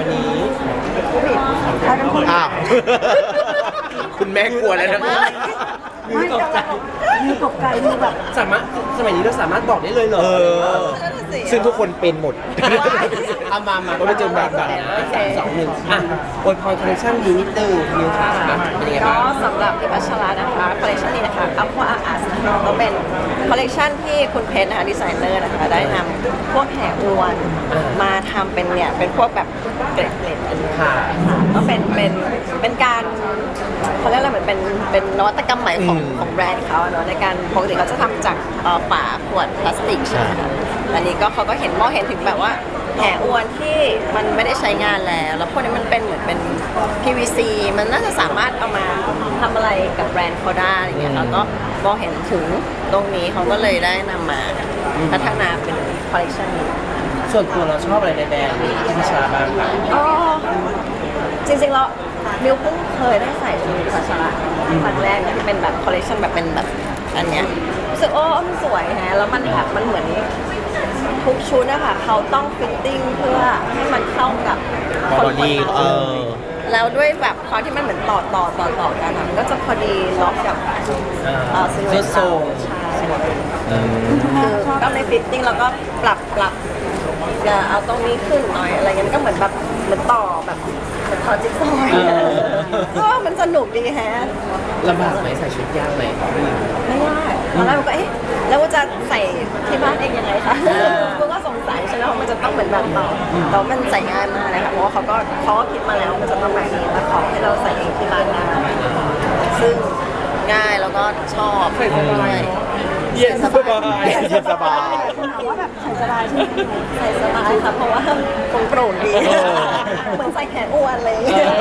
วันนี้ใครเป็นคนอ้าว คุณแม่กลัวแล้วนะไม่ตกใจมีตกใจมีแบบสามารถสมัยนี้เราสามารถบอกได้เลยเหรอซึ่งทุกคนเป็นหมดเอามาก็ไม่เจอแบบก่อนนะ3 2 1อ่ะอวยพรคอลเลคชั่นนี้นิดนึงนิวค่ะเป็นยังไงก็บ้างสำหรับพิพัชรานะคะคอลเลคชันนี้นะคะอัพว่าอาร์ตนะคะก็เป็นคอลเลคชันที่คุณเพชรนะคะดีไซเนอร์นะคะได้นำพวกแห่อวนมาทำเป็นเนี่ยเป็นพวกแบบเกล็ดๆอันนี้ค่ะก็เป็นการเขาเรียกอะไรเหมือนเป็นนวัตกรรมใหม่ของแบรนด์เขาเนาะในการปกติเขาจะทำจากฝาขวดพลาสติกใช่ไหมคะอันนี้ก็เขาก็มองเห็นถึงแบบว่าแห่อวนที่มันไม่ได้ใช้งานแล้วพวกนี้มันเป็นเหมือนเป็น PVC มันน่าจะสามารถเอามาทำอะไรกับแบรนด์เขาได้อะไรเงี้ยแล้วก็มองเห็นถึงตรงนี้เขาก็เลยได้นำมาพัฒนาเป็นคอลเลคชันนี้ส่วนตัวเราชอบอะไรในแบรนด์พิพัชราบ้างคะอ๋อจริงๆแล้วมิวเพิ่งเคยได้ใส่ชุดพัชระครั้งแรกที่เป็นแบบคอลเลคชันแบบเป็นแบบอันเนี้ยรู้สึกมันสวยฮะแล้วมันแบบมันเหมือนทุกชุดนะคะเขาต้องฟิตติ้งเพื่อให้มันเข้ากับคนบอดี้แล้วด้วยแบบความที่มันเหมือนต่อกันอะมันก็จะพอดีล็อกกับซิลูเอตทรงใช่คือก็ในฟิตติ้งแล้วก็ปรับอย่าเอาตรงนี้ขึ้นหน่อยอะไรเงี้ยมันก็เหมือนแบบเหมือนต่อแบบเหมือนต่อจิ๊กซอว์ก็มันสนุกดีแฮะลำบากไหมใส่ชุดยากไหมไม่ยากตอนแรกมันก็แล้วว่าจะใส่ที่บ้านเองยังไงคะกูก็สงสัยใช่ไหมว่ามันจะต้องเหมือนแบบต่อแต่ว่ามันใส่ง่ายมากเลยค่ะเพราะว่าเขาก็คิดมาแล้วมันจะต้องแบบนี้แล้วขอให้เราใส่เองที่บ้านได้ซึ่งง่ายแล้วก็ชอบด้วยเย็นสบายเย็นสบายคุณถามว่าแบบใส่สบายใช่ไหมใส่สบายค่ะเพราะว่าคงโปร่งดีเหมือนใส่แขนอ้วนเลย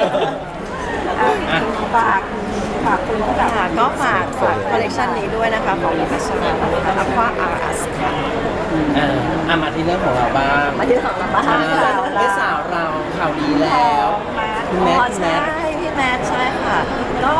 ฝากคุณที่แบบค่ะก็ฝากคอลเลคชันนี้ด้วยนะคะของมิพัชรานะคะอัควาอาร์สค่ะมาที่เรื่องของเราบ้างมาที่ของเราบ้างพี่สาวเราข่าวดีแล้วคุณแม่ใช่พี่แมทใช่ค่ะ ก็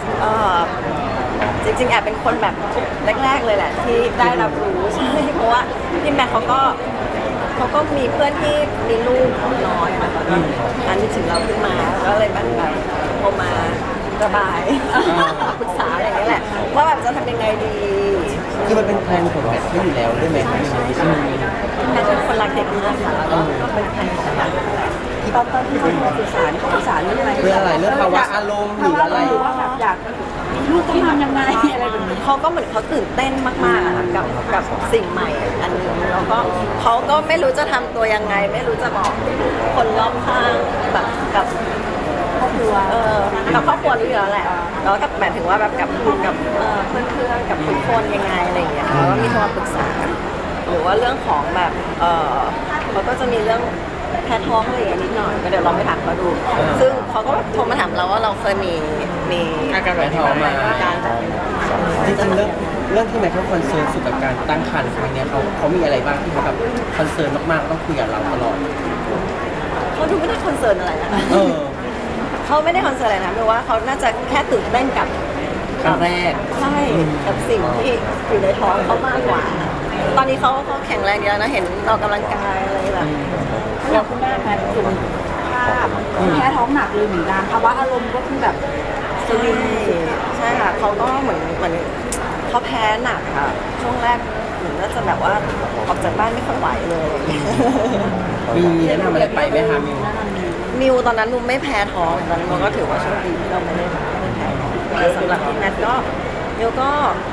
จริงๆแอบเป็นคนแบบแรกๆเลยแหละที่ได้รับรู้ใช่เพราะว่าพี่แมทเขาก็มีเพื่อนที่มีลูกน้อยค่ะแล้วก็อันนี้ถึงเราขึ้นมาก็เลยแบบโทรมาระบายปรึกษาอย่างนี้แหละว่าแบบจะทำยังไงดีคือมันเป็นแพลนของแบบที่อยู่แล้วด้วยไหมคะแมทเป็นคนรักเด็กมากค่ะแล้วก็เป็นแฟนของแบบตอนที่เขาสื่อสารเรื่องอะไรเรื่องอะไรเรื่องภาวะอารมณ์หรืออะไรหรือว่าแบบอยากลูกต้องทำยังไงอะไรแบบนี้เขาก็เหมือนเขาตื่นเต้นมากๆอะค่ะกับสิ่งใหม่อันนึงแล้วก็เขาก็ไม่รู้จะทำตัวยังไง ไม่รู้จะบอกคนรอบข้างแบบกับครอบครัวกับครอบครัวรู้อยู่แล้วแหละแล้วก็หมายถึงว่าแบบกับเพื่อนๆกับทุกคนยังไงอะไรอย่างเงี้ยค่ะแล้วก็มีโทรมาปรึกษาหรือว่าเรื่องของแบบเขาก็จะมีเรื่องแพ้ท้องอะไรอย่างเงี้ยนิดหน่อยก็เดี๋ยวลองไปถามเขาดู ซึ่งเขาก็แบบโทรมาถามเราว่าเราเคยมีอาการแพ้ท้องมาการแบบจริงๆเรื่องที่แม่เขาคอนเซิร์นสุดกับการตั้งครรภ์ครั้งเนี้ยเขามีอะไรบ้างที่เขาแบบคอนเซิร์นมากๆต้องคุยกับเราตลอดเขาดูไม่ได้คอนเซิร์นอะไรนะคะเออเขาไม่ได้คอนเซิร์นอะไรนะเพราะว่าเขาน่าจะแค่ตื่นเต้นกับครั้งแรกใช่กับสิ่งที่อยู่ในท้องเขามากกว่า ตอนนี้เขาแข็งแรงดีแล้วนะเห็นออกกำลังกายอะไรแบบแล้วคุณแม่แพทย์คุณภาพแค่ท้องหนักเลยเหมือนกันภาวะอารมณ์ก็คือแบบสวิงใช่ค่ะเขาก็เหมือนเขาแพ้หนักค่ะ ช่วงแรกเหมือนน่าจะแบบว่าออกจากบ้านไม่ค่อยไหวเลยมีแนะนำอะไรไปไหมคะมิวมิวตอนนั้นมิวไม่แพ้ท้องตอนนั้นมิวก็ถือว่าโชคดีที่เราไม่ได้แพ้ท้องแต่สำหรับพี่แมทก็มิวก็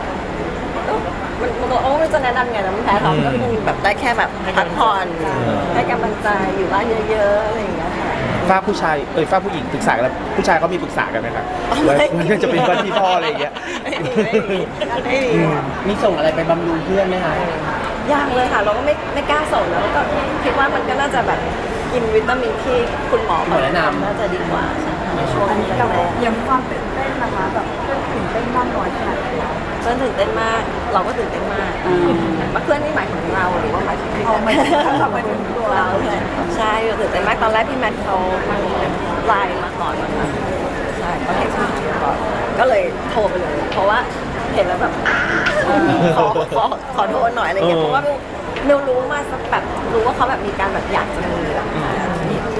มันไม่รู้จะแนะนำไงนะมันแพ้ท้องก็คงแบบได้แค่แบบพักผ่อนได้กำลังใจอยู่บ้านเยอะๆอะไรอย่างเงี้ยค่ะฝ้าผู้ชายฝ้าผู้หญิงปรึกษากันแล้วผู้ชายเขามีปรึกษากันไหมครับว่าจะเป็นวันที่พ่ออะไรอย่างเงี้ยไม่มีมีส่งอะไรไปบำรุงเพื่อนไหมคะยากเลยค่ะ เราก็ไม่กล้าส่งแล้วก็คิดว่ามันก็น่าจะแบบกินวิตามินที่คุณหมอแนะนำน่าจะดีกว่าในช่วงนี้กับแรกยังความตื่นเต้นนะคะแบบตื่นเต้นมากน้อยขนาดไหนเพื่อนตื่นเต้นมาก เราก็ตื่นเต้นมากเพื่อนนี่หมายถึงเราหรือว่าหมายถึงพี่เอาแมมาทเอามาถึงตัวเราใช่ตื่นเต้นมากตอนแรกพี่แมทเขาไลน์มาก่อนนะคะใช่เขาเห็นมาก่อนก็เลยโทรไปเลย เพราะว่าเห็นแล้วแบบขอโทษหน่อยอะไรเงี้ยเพราะว่ามิวรู้มาสักแบบรู้ว่าเขาแบบมีการแบบอยากจะมีแบบ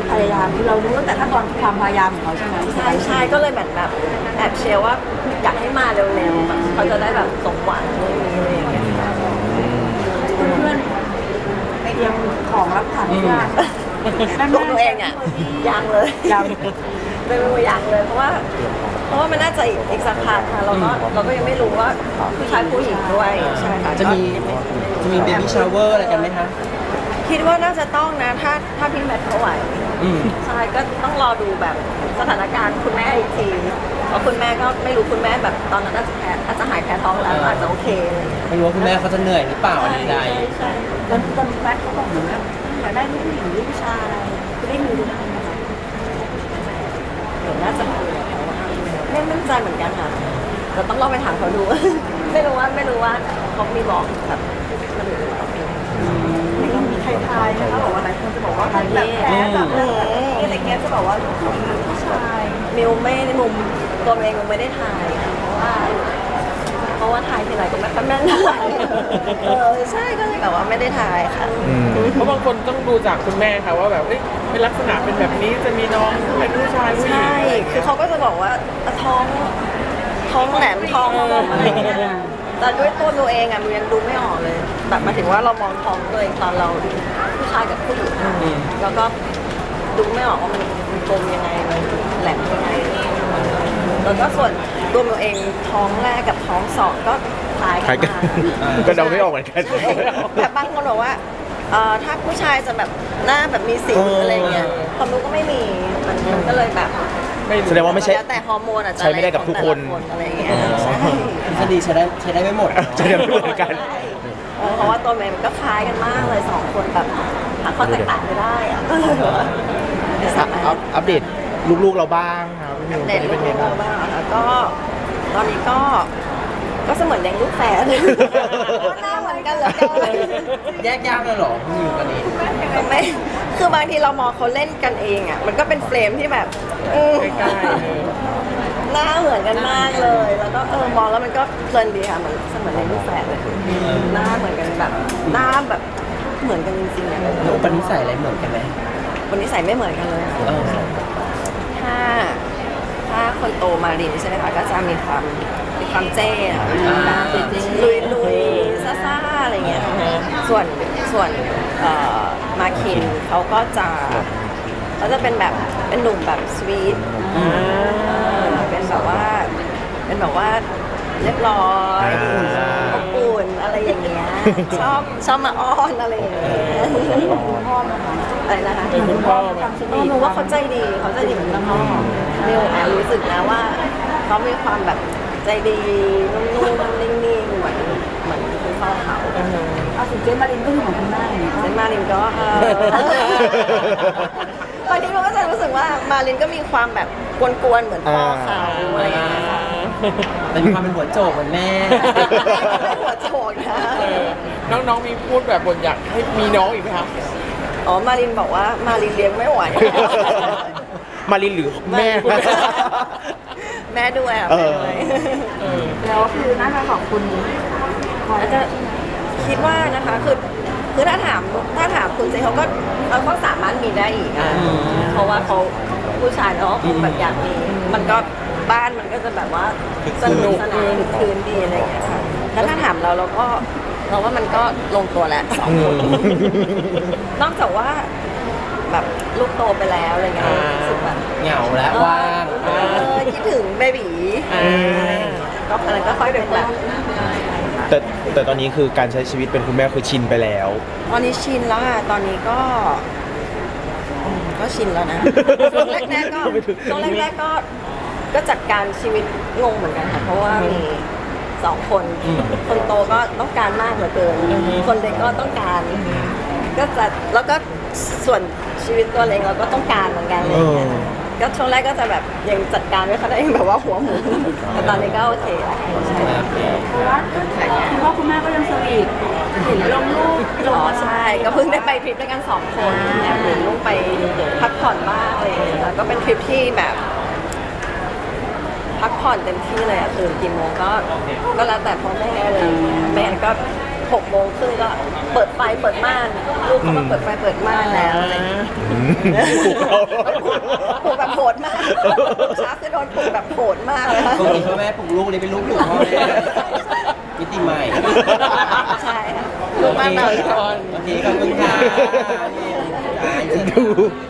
พยายามคือเรารู้ตั้งแต่ขั้นตอนความพยายามของเขาใช่ไหมใช่ก็เลยแบบแอบเชียร์ว่าอยากให้มาเร็วๆแบบเขาจะได้แบบสมหวังอะไรอย่างเงี้ยเพื่อนๆเตรียมของรับขวัญหรือยังตัวหนูเองอ่ะยังเลยยังไม่รู้ยังเลยเพราะว่ามันน่าจะอีกสักพักค่ะเราก็ยังไม่รู้ว่าผู้ชายผู้หญิงด้วยใช่ค่ะจะมีเบบี้ชาวเวอร์อะไรกันไหมคะคิดว่าน่าจะต้องนะถ้าพี่แมทเขาไหวอืมใช่ก็ต้องรอดูแบบสถานการณ์คุณแม่อีกทีเพราะคุณแม่ก็ไม่รู้คุณแม่แบบตอนนั้นอาจจะหายแพ้ท้องแล้วอาจจะโอเคอะไรอย่างเงี้ยไม่รู้ว่าคุณแม่เขาจะเหนื่อยหรือเปล่าอะไรใดใช่ตอนแฟนเขาบอกเหมือนว่าอยากได้ลูกผู้หญิงหรือผู้ชายคือได้มีดูได้ไหมคะเดี๋ยวน่าจะคุยกับเขาว่าไม่มั่นใจเหมือนกันค่ะเราต้องลองไปถามเขาดู ไม่รู้ว่าเขามีบอกแบบมันหรือเปล่ายังมีใครทายไหมคะบอกว่าหลายคนจะบอกว่าแบบแพ้แบบอะไรเงี้ยจะบอกว่าผู้ชายมิวไม่ในมุมตัวเองมิวไม่ได้ถ่ายค่ะเพราะว่าถ่ายทีไรก็ไม่ค่อยแม่นเท่าไหร่ใช่ก็เลยแบบว่าไม่ได้ถ่ายค่ะเพราะบางคนต้องดูจากคุณแม่ค่ะว่าแบบเอ้ยเป็นลักษณะเป็นแบบนี้จะมีน้องเป็นผู้ชายผู้หญิงใช่คือเขาก็จะบอกว่าท้องแหลมท้องอะไรอย่างเงี้ยแต่ด้วยตัวมิวเองอะมิวยังดูไม่ออกเลยแบบหมายถึงว่าเรามองท้องตัวเองตอนเราผู้ชายกับผู้หญิงแล้วก็ดูไม่ออกว่ามันกลมยังไงมันแหลมยังไงแล้วก็ส่วนตัวมิวเองท้องแรกกับท้องสองก็คล้ายใครกันกันมากก็เดาไม่ออกเหมือนกันแบบบางคนบอกว่าถ้าผู้ชายจะแบบหน้าแบบมีสิวอะไรเงี้ยความรู้ก็ไม่มีมันก็เลยแบบแสดงว่าไม่ใช่แล้วแต่ฮอร์โมนอาจจะใช้ไม่ได้กับทุกคนอะไรอย่างเงี้ยใช่ๆทฤษฎีใช้ได้ไม่หมดเนอะจะได้ไม่เหมือนกันเพราะว่าตัวเมย์มันก็คล้ายกันมากเลยสองคนแบบหาข้อแตกต่างไม่ได้อะก็เลยแบบว่าไม่สามารถอัปเดตลูกๆเราบ้างครับพี่มิวตเด็อนดนี้ลูเป็นไงกบ้างบ้างแล้วก็ตอนนี้ก็เสมือนเลี้ยงลูกแฝดหน้าเหมือนกันเหลยแยกยากเลยเหรอพี่มิวตอนนี้ไม่คือบางทีเรามองเขาเล่นกันเองอ่ะมันก็เป็นเฟรมที่แบบใกล้หน้าเหมือนกันมากเลย แล้วก็มองแล้วมันก็เพลินดีค่ะเหมือนเสมือนในลูกแฝดเลยหน้าเหมือนกันแบบหน้าแบบเหมือนกันจริงๆอ่ะแล้วอุปนิสัยอะไรเหมือนกันไหมวันนี้ใส่ไม่เหมือนกันเลยอะเออถ้าคนโตมารินใช่ไหมคะก็จะมีความเจ้อะลุยซ่าๆอะไรเงี้ยส่วนมาคินเขาก็จะเป็นแบบเป็นหนุ่มแบบสวีทเป็นแบบว่าเรียบร้อยอบอุ่นอะไรอย่างเงี้ยชอบมาอ้อนอะไรอย่างเงี้ยอะไรนะคะๆเป็นคุณพ่อมาหนูว่าเขาใจดีเหมือนคุณพ่อมิวแอบรู้สึกนะว่าเขามีความแบบใจดีนุ่มๆนิ่งๆเหมือนคุณพ่อเขาเอาสุดเจนมารินก็คือของคุณแม่อย่างเงี้ยเซนมารินก็บางทีเราก็จะรู้สึกว่ามารินก็มีความแบบกวนๆเหมือนพ่อเขาอะไรอย่างเงี้ยแต่มีความเป็นหัวโจกเหมือนแม่ไม่หัวโฉกนะน้องๆมีพูดแบบบนอยากให้มีน้องอีกไหมคะอ๋อมารินบอกว่ามารินเลี้ยงไม่ไหวมารินหรือแม่แม่ด้วยอ่ะเอแม่อด้วยแล้วคือน่าจะขอบคุณคอยอาจจะคิดว่านะคะคือถ้าถามคุณเจเขาก็สามารถมีได้อีกอ่ะเพราะว่าเขาผู้ชายเนาะคงแบบอยากมีมันก็บ้านมันก็จะแบบว่าสนุกสนานคึกคืนดีอะไรอย่างเงี้ยค่ะแล้วถ้าถามเราว่ามันก็ลงตัวแล้วสองคนนอกจากว่าแบบลูกโตไปแล้วอะไรเงี้ยรู้สึกแบบเหงาแล้วว่างคิดถึงเบบีก็อะไรก็ค่อยเป็นแบบแต่ตอนนี้คือการใช้ชีวิตเป็นคุณแม่คือชินไปแล้วตอนนี้ชินแล้วค่ะตอนนี้ก็ชินแล้วนะช่วงแรกๆก็จัดการชีวิตงงเหมือนกันค่ะเพราะว่ามีสองคนคนโตก็ต้องการมากเหลือเกินคนเล็กก็ต้องการก็จะแล้วก็ส่วนชีวิตตัวเองเราก็ต้องการเหมือนกันอะไรอย่างเงี้ยก็ช่วงแรกก็จะแบบยังจัดการไม่ค่อยได้แบบว่าหัวหมุนแต่ตอนนี้ก็โอเคแล้วใช่เพราะว่าคุณพ่อคุณแม่ก็ยังสวีทเห็นลงรูปลงใช่ก็เพิ่งได้ไปทริปด้วยกัน2 คนแอบหนีลูกไปพักผ่อนบ้างอะไรอย่างเงี้ยแล้วก็เป็นทริปที่แบบพักผ่อนเต็มที่เลยอะตื่นกี่โมงก็แล้วแต่พ่อแม่เลยแม่ก็ 6 โมงครึ่งก็เปิดไฟเปิดม่านลูกเขามาเปิดไฟเปิดม่านแล้วอะไรอย่างเงี้ยปลุกเราปลูกแบบโหดมากช้าคือโดนปลูกแบบโหดมากเลยค่ะปกติพ่อแม่ปลุกลูกเลยเป็นลูกปลุกพ่อแม่มิติใหม่ใช่ค่ะลูกแม่แบบโอเคขอบคุณค่ะดู